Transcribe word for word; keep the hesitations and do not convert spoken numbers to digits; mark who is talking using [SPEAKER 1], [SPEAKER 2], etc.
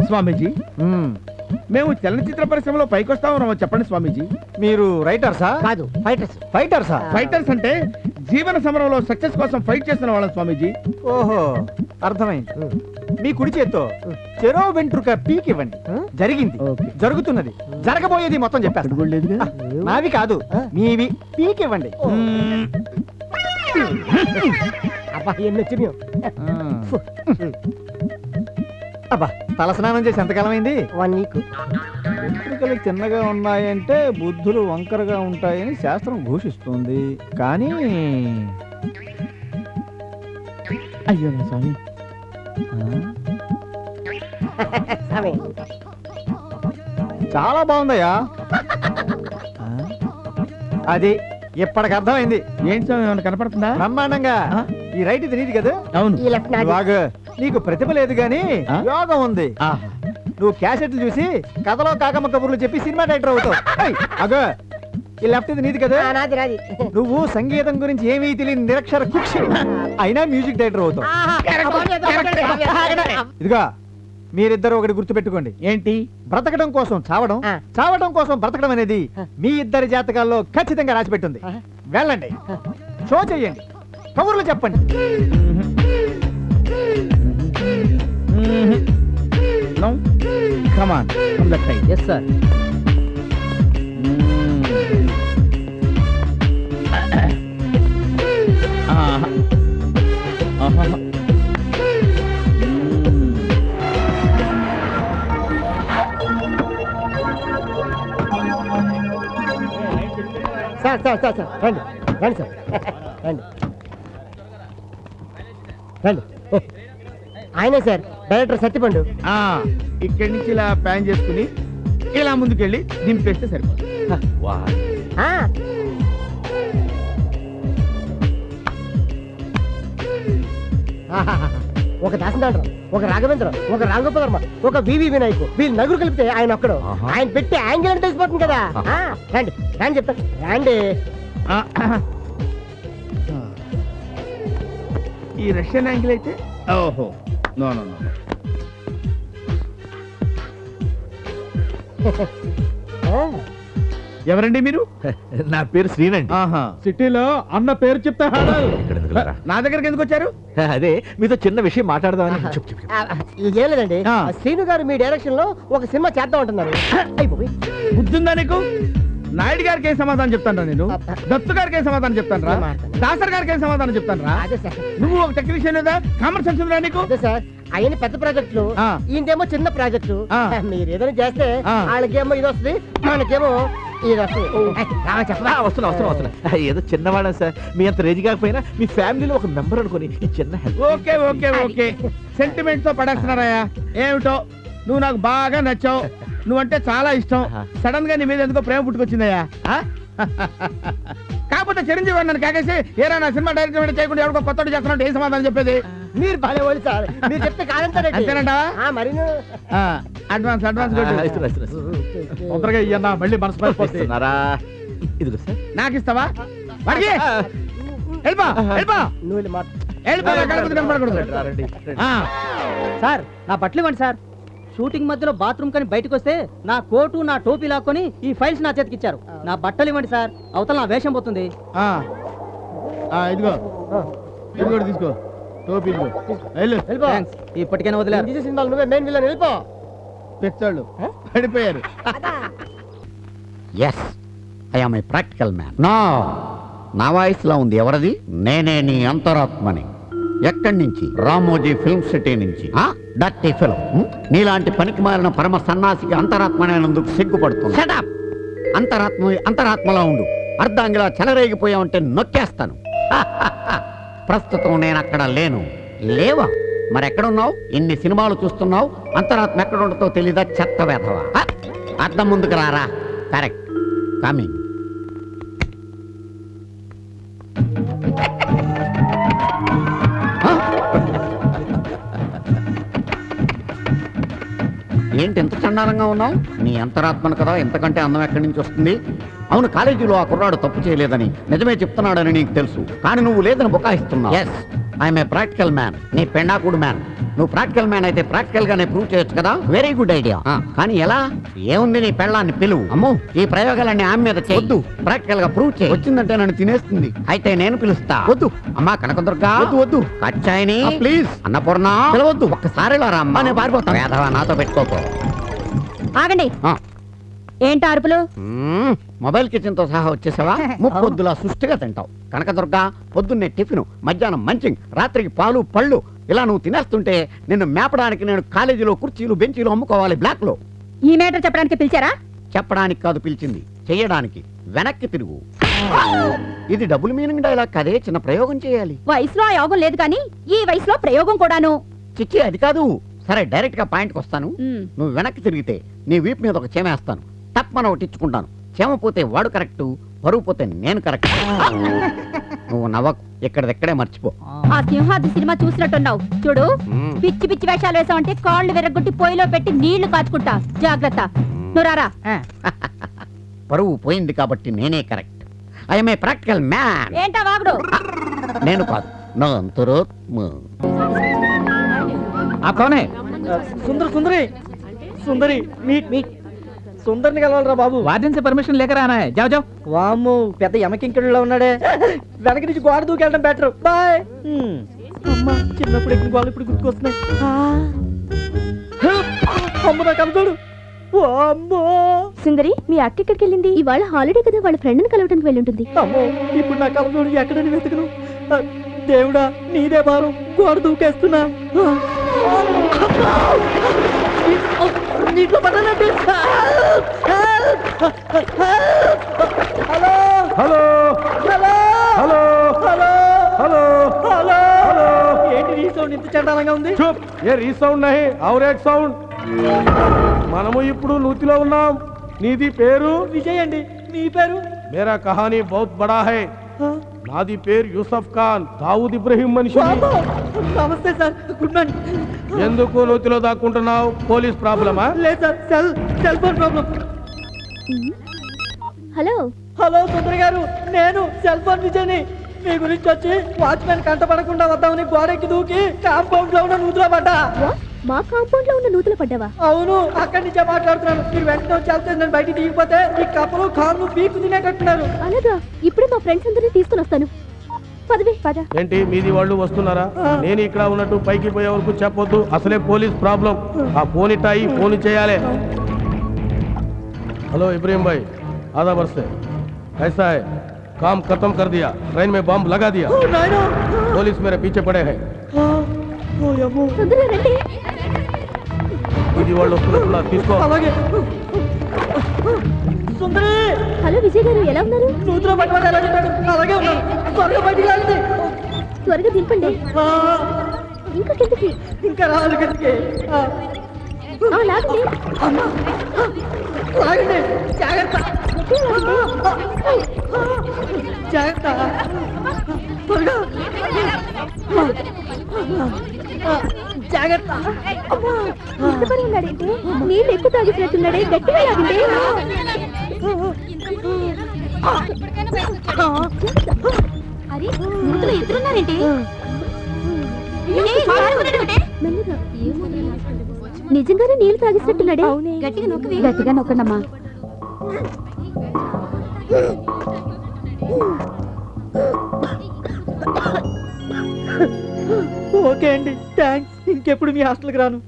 [SPEAKER 1] స్వామీజీ మేము చలనచిత్ర పరిశ్రమలో పైకొస్తామో చెప్పండి స్వామీజీ.
[SPEAKER 2] మీరు రైటర్సా?
[SPEAKER 3] కాదు, ఫైటర్స్.
[SPEAKER 2] ఫైటర్సా?
[SPEAKER 1] ఫైటర్స్ అంటే జీవన సమరంలో సక్సెస్ కోసం ఫైట్ చేస్తున్న వాళ్ళం స్వామీజీ.
[SPEAKER 2] ఓహో, అర్థమైంది. మీ కుడి చేత్తో చెరో వెంట్రుక పీక్ ఇవ్వండి. జరిగింది, జరుగుతున్నది, జరగబోయేది మొత్తం చెప్పేస్తా. నావి కాదు, మీవి పీక్ ఇవ్వండి.
[SPEAKER 3] అబ్బా ఎన్ని వచ్చినాయో.
[SPEAKER 2] అబ్బా, తలస్నానం చేసి ఎంతకాలం అయింది?
[SPEAKER 3] One week.
[SPEAKER 2] వెంట్రుకలు చిన్నగా ఉన్నాయంటే బుద్ధులు వంకరగా ఉంటాయని శాస్త్రం ఘోషిస్తుంది. కానీ
[SPEAKER 1] అయ్యో నా స్వామి,
[SPEAKER 2] చాలా బాగుందయ్యా. అది ఇప్పటికి అర్థమైంది.
[SPEAKER 1] ఏంటి స్వామి, ఏమైనా కనపడుతుందా?
[SPEAKER 2] బ్రహ్మాండంగా. ఈ రైట్ ఇది నీది కదా?
[SPEAKER 1] అవును.
[SPEAKER 3] ఈ లెఫ్ట్ నాది.
[SPEAKER 2] బాగా నీకు ప్రతిభ లేదు గాని యోగం ఉంది. నువ్వు క్యాసెట్లు చూసి కథలో కాకమ్మ కబుర్లు చెప్పి సినిమా డైరెక్టర్ అవుతావు. అగో, ఈ లెఫ్ట్ ఇది నీది కదా?
[SPEAKER 3] నాది నాది.
[SPEAKER 2] నువ్వు సంగీతం గురించి ఏమీ తెలియని నిరక్షర కుక్షి అయినా మ్యూజిక్ డైరెక్టర్ అవుతావు. ఇదిగా మీరిద్దరు ఒకటి గుర్తు పెట్టుకోండి.
[SPEAKER 1] ఏంటి?
[SPEAKER 2] బ్రతకడం కోసం చావడం, చావడం కోసం బ్రతకడం అనేది మీ ఇద్దరి జాతకాల్లో ఖచ్చితంగా రాసిపెట్టుంది. వెళ్ళండి, షో చెయ్యండి, కబుర్లు చెప్పండి.
[SPEAKER 1] No? Come on, from that side.
[SPEAKER 3] Yes, sir.
[SPEAKER 1] Uh-huh. Uh-huh.
[SPEAKER 3] Sir sir sir sir రండి రండి సార్ రండి రండి. ఆయనే సార్ డైరెక్టర్ సత్యపండు.
[SPEAKER 1] ఇక్కడి నుంచి ఇలా ప్యాన్ చేసుకుని ఇలా ముందుకెళ్ళి దింపేస్తే సరిపోతుంది.
[SPEAKER 3] ఒక దాసనాథరావు, ఒక రాఘవేంద్ర, ఒక రాఘోపధర్మ, ఒక వివి వినాయకు, వీళ్ళు నలుగురు కలిపితే ఆయన ఒక్కడు. ఆయన పెట్టి యాంగిల్ అంటే తెలిసిపోతుంది కదా. రండి రండి చెప్తాను, రండి.
[SPEAKER 1] ఈ రష్యన్ యాంగిల్ అయితే ఓహో నో నో నో. ఎవరండి మీరు?
[SPEAKER 4] నా పేరు శ్రీనండి.
[SPEAKER 1] సిటీలో అన్న పేరు చెప్తా. నా దగ్గరికి ఎందుకు వచ్చారు?
[SPEAKER 4] అదే మీతో చిన్న విషయం మాట్లాడదామని.
[SPEAKER 3] ఏం లేదండి, శ్రీను గారు మీ డైరెక్షన్ లో ఒక సినిమా చేద్దాం అంటున్నారు.
[SPEAKER 1] బుద్ధుందా నీకు? నాయుడు గారికి ఏం సమాధానం చెప్తాను నేను? దత్తు గారికి ఏం సమాధానం చెప్తాను రా? దాసర్ గారికి ఏం సమాధానం చెప్తాను రా? నువ్వు ఒక టెక్నీషియన్ లేదా? కామన్ సెన్స్ ఉందా నీకు?
[SPEAKER 3] సార్ ఆయన పెద్ద ప్రాజెక్టులు, ఈయనేమో చిన్న ప్రాజెక్టు. మీరు ఏదైనా చేస్తే వాళ్ళకేమో ఇది వస్తుంది, మనకేమో ఇది వస్తుంది.
[SPEAKER 4] వస్తున్నా వస్తున్నా వస్తున్నా. ఏదో చిన్నవాడా సార్, మీ అంత రేజ్ కాకపోయినా మీ ఫ్యామిలీలో ఒక మెంబర్ అనుకుని ఈ చిన్న help.
[SPEAKER 1] Okay okay okay, sentiment తో పడేస్తున్నారయ్యా. ఏమిటో నువ్వు నాకు బాగా నచ్చావు, నువ్వంటే చాలా ఇష్టం. సడన్ గా నీ మీద ఎందుకో ప్రేమ పుట్టుకొచ్చిందయ్యా. కాకపోతే చిరంజీవి నన్ను కాకేసి ఏరా నా సినిమా డైరెక్టర్ చేయకుండా ఎవరికో కొత్త చేస్తున్నట్టు ఏం సమాధానం చెప్పేది?
[SPEAKER 3] మీరు బాగా వాళ్ళు సార్, మీరు చెప్తే కాదంటారంటేనంటా. మరి
[SPEAKER 1] అడ్వాన్స్ అడ్వాన్స్ తొందరగా ఇయ్యన్నా, మళ్ళీ మనసు పడిపోతున్నారా?
[SPEAKER 4] ఇదిగో సార్,
[SPEAKER 1] నాకు ఇస్తావా?
[SPEAKER 5] సార్ నా బట్టలు ఇవ్వండి సార్. షూటింగ్ మధ్యలో బాత్రూమ్ కని బయటకు వస్తే నా కోటు నా టోపీ లాక్కొని ఈ ఫైల్స్ నా చేతికి ఇచ్చారు. నా బట్టలు ఇవ్వండి సార్, అవతల నా వేషం పోతుంది.
[SPEAKER 1] ఇదిగో ఇదిగో తీసుకో టోపీ.
[SPEAKER 5] ఇప్పటికైనా వదిలేదు.
[SPEAKER 3] నువ్వే మెయిన్ విలన్, వెళ్ళిపో.
[SPEAKER 1] పెచ్చాళ్ళు పడిపోయారు.
[SPEAKER 6] Yes, I am a practical man. నా నా వాయిస్లో ఉంది ఎవరిది? నేనే నీ అంతరాత్మని. ఎక్కడి నుంచి? రామోజీ ఫిల్మ్ సిటీ నుంచి. Dirty film. నీలాంటి పనికి మారిన పరమ సన్నాసికి అంతరాత్మనేందుకు సిగ్గుపడుతుంది. షటప్. అంతరాత్మ అంతరాత్మలా ఉండు. అర్ధాంగిలా చెలరేగిపోయావంటే నొక్కేస్తాను. ప్రస్తుతం నేను అక్కడ లేను. లేవా? మరెక్కడున్నావు? ఇన్ని సినిమాలు చూస్తున్నావు, అంతరాత్మ ఎక్కడ ఉండతో తెలీదా? చెత్త వేధవా. అర్థం ముందుకు రారా. Correct, coming. ఏంటి ఎంత చండాలంగా ఉన్నావు? నీ అంతరాత్మను కదా, ఎంతకంటే అందం ఎక్కడి నుంచి వస్తుంది? అవును, కాలేజీలో ఆ కుర్రాడు తప్పు చేయలేదని నిజమే చెప్తున్నాడని నీకు తెలుసు, కానీ నువ్వు లేదని బుకాయిస్తున్నావు. Yes, I'm a practical man. నీ పెండాకుడు మ్యాన్. నువ్వు ప్రాక్టికల్ మ్యాన్ అయితే ప్రాక్టికల్ గానే ప్రూవ్ చేయొచ్చు కదా. Very good idea. కానీ ఎలా? ఏముంది, నీ పెళ్ళాన్ని పిలువు. అమ్మో, ఈ ప్రయోగాలన్నీ ఆమె మీద చేయొద్దు. ప్రాక్టికల్ గా ప్రూవ్ చేయి. వచ్చిందంటే నన్ను తినేస్తుంది. అయితే నేను పిలుస్తా. వద్దు అమ్మా కనకదుర్గా. వద్దు వద్దు. కచ్చాయిని ప్లీజ్. అన్నపూర్ణ పిలవద్దు. ఒక్కసారి ఇలా రా అమ్మా, నేను పారిపోతాను. వేధవా, నాతో పెట్టుకోకు.
[SPEAKER 7] ఆగండి.
[SPEAKER 6] ఆ.
[SPEAKER 7] ఏంటి అరుపులు?
[SPEAKER 6] మ్మ్. మొబైల్ కిచెన్ తో సహా వచ్చేసావా? ముప్పొద్దులా సుష్టిగా తింటావు. కనకదుర్గా, పొద్దున్నే టిఫిన్, మధ్యాహ్నం మంచింగ్, రాత్రికి పాలు పళ్ళు, ఇలా నువ్వు తినేస్తుంటే నిన్ను మేపడానికి నేను కాలేజీలో కుర్చీలు బెంచీలు అమ్ముకోవాలి బ్లాక్ లో.
[SPEAKER 7] ఈ మేటర్ చెప్పడానికి పిలిచారా?
[SPEAKER 6] చెప్పడానికి కాదు పిలిచింది, చెయ్యడానికి. వెనక్కి తిరుగు. ఇది డబుల్ మీనింగ్ డైలాగ్ కదే, చిన్న ప్రయోగం చేయాలి.
[SPEAKER 7] వయసులో ఆ యోగం లేదు కానీ ఈ వయసులో ప్రయోగం కూడాను.
[SPEAKER 6] చిచ్చి, అది కాదు. సరే, డైరెక్ట్ గా పాయింట్కి వస్తాను.
[SPEAKER 7] మ్.
[SPEAKER 6] నువ్వు వెనక్కి తిరిగితే నీ వీపు మీద ఒక చేమేస్తాను. తప్పన ఒకటి ఇచ్చుకుంటాను. చేమ పోతే వాడు కరెక్ట్, పరువు పోతే నేను కరెక్ట్. నువ్వు నవ్వకు, ఇక్కడిదెక్కడే మర్చిపో.
[SPEAKER 7] ఆ సింహాద్రి సినిమా చూసినట్టున్నావు చూడు.
[SPEAKER 6] మ్మ్.
[SPEAKER 7] పిచ్చి పిచ్చి వేషాలు వేసావంటే కాళ్ళు విరగొట్టి పొయ్యిలో పెట్టి నీళ్లు కాచుకుంటా. జాగ్రత్త. నువ్వు రారా.
[SPEAKER 6] పరువు పోయింది కాబట్టి నేనే correct. I'm a practical man.
[SPEAKER 7] ఏంటా వాగుడు?
[SPEAKER 6] నేను కాదు, నా అంతరాత్మ.
[SPEAKER 2] ఆ కోనే సుందర సుందరి సుందరి మీట్ మీట్ సుందరిని కలవాలరా బాబు.
[SPEAKER 5] వార్డెన్ से परमिशन लेकर आना है. जाओ जाओ.
[SPEAKER 2] వామ్మో, పెద్ద యమకింకడులో ఉన్నాడే. వెనక నుంచి గోడ దూకెళ్ళడం బెటర్. బాయ్. అమ్మా, చిన్నప్పుడు ఎక్కిన గోడలు ఇప్పుడు గుర్తుకొస్తున్నాయి. అమ్మ, నా కలచోడు. అమ్మో,
[SPEAKER 7] సుందరి, మీ అక్క ఎక్కడికి వెళ్ళింది? ఇవాళ హాలిడే కదా, వాళ్ళ ఫ్రెండ్ ని కలవడానికి వెళ్ళుంటుంది.
[SPEAKER 2] అమ్మో, ఇప్పుడు నా కలచోడు ఎక్కడని వెతుకును? ఆ, దేవుడా, నీదే భారం. గోడ దూకేస్తున్నా. నీటిలో పడ్డానండి. Hello
[SPEAKER 1] hello
[SPEAKER 2] hello
[SPEAKER 1] hello
[SPEAKER 2] hello
[SPEAKER 1] hello
[SPEAKER 2] hello hello. ఏంటి ఈ సౌండ్ ఇంత చండాలంగా ఉంది?
[SPEAKER 1] చూప్, ఏ రీసౌండ్ నహి ఔర్ ఏక్ సౌండ్. మనము ఇప్పుడు నూతిలో ఉన్నాం. నీది పేరు?
[SPEAKER 2] విజయ్ అండి. మీ పేరు?
[SPEAKER 1] మేరా కహానీ బహుత్ బడా హై. నాది పేరు యూసఫ్ ఖాన్, దావూద్ ఇబ్రహీం మనిషి.
[SPEAKER 2] బాబు, నమస్తే సార్. Good morning.
[SPEAKER 1] ఎందుకు నూతిలో దాక్కుంటున్నావు? పోలీస్ ప్రాబ్లమా?
[SPEAKER 2] లేదు sir, cell cell phone problem.
[SPEAKER 7] Hello.
[SPEAKER 2] Hello Sundar garu, నేను సెల్ ఫోన్ విజయ్ని. మీ గురించి వచ్చి వాచ్మెన్ కంట పడకుండా వద్దామని గోడెక్కి దూకి కాంపౌండ్ లో ఉన్న నూతులో పడ్డా.
[SPEAKER 7] మా కాంపౌండ్ లో ఉన్న నూతులు పడ్డావా?
[SPEAKER 2] అవును, అక్కడి నుంచే మాట్లాడుతున్నాను. మీరు వెంటనే వచ్చి వెళ్తే నేను బయటికి దిగిపోతే ఈ కప్పలు కాళ్ళు పీకు తినేటట్టున్నారు.
[SPEAKER 7] అలాగా, ఇప్పుడే మా ఫ్రెండ్స్ అందరినీ తీసుకుని వస్తాను. పదవే పద.
[SPEAKER 1] ఏంటి, మీది వాళ్ళు వస్తున్నారా? నేను ఇక్కడ ఉన్నట్టు పైకి పోయే వరకు చెప్పొద్దు. అసలే పోలీస్ ప్రాబ్లం. ఆ ఫోన్ ఇట్టాయి, ఫోన్ చేయాలి. हेलो इब्राहिम भाई, आधा वर्ष से कैसा है? काम खत्म कर दिया, ट्रेन में बम लगा दिया,
[SPEAKER 2] ఓ నాయనా.
[SPEAKER 1] पुलिस मेरे पीछे पड़े हैं.
[SPEAKER 2] ఆ, ఓ యమ్మో.
[SPEAKER 7] తొందరగా రండి.
[SPEAKER 1] ఇది వాళ్ళు వస్తున్నట్టున్నారు, తీసుకో.
[SPEAKER 2] అలాగే. సుందరి,
[SPEAKER 7] హలో విజయ్ గారు, ఎలా ఉన్నారు?
[SPEAKER 2] నూతులో పట్టబడి ఎలా చెప్పాడు? అలాగే ఉన్నాను. త్వరగా బయటికి లాగింది.
[SPEAKER 7] త్వరగా దింపండి.
[SPEAKER 2] ఆ,
[SPEAKER 7] ఇంకా కిందకి.
[SPEAKER 2] ఇంకా రావాలి కిందకి. ఆ,
[SPEAKER 7] ఆ, లాగండి.
[SPEAKER 2] అమ్మా. లాగండి. జాగ్రత్త.
[SPEAKER 7] గట్టిగా లాగండి.
[SPEAKER 2] జాగ్రత్త. త్వరగా. ఆ, జాగ్రత్త. అమ్మా.
[SPEAKER 7] ఇష్టపడి ఉన్నాడేంటి? నీళ్ళు ఎక్కువ తాగిసినట్టున్నాడే, గట్టిగా లాగండి. అరే, నూతులో ఇద్దరున్నారేంటి? మెల్లగా. నిజంగానే నీళ్లు తాగిసినట్టున్నాడే. గట్టిగా నొక్కవి. గట్టిగా నొక్కండమ్మా.
[SPEAKER 2] ఓకే అండి, థ్యాంక్స్. ఇంకెప్పుడు మీ హాస్టల్కి రాను.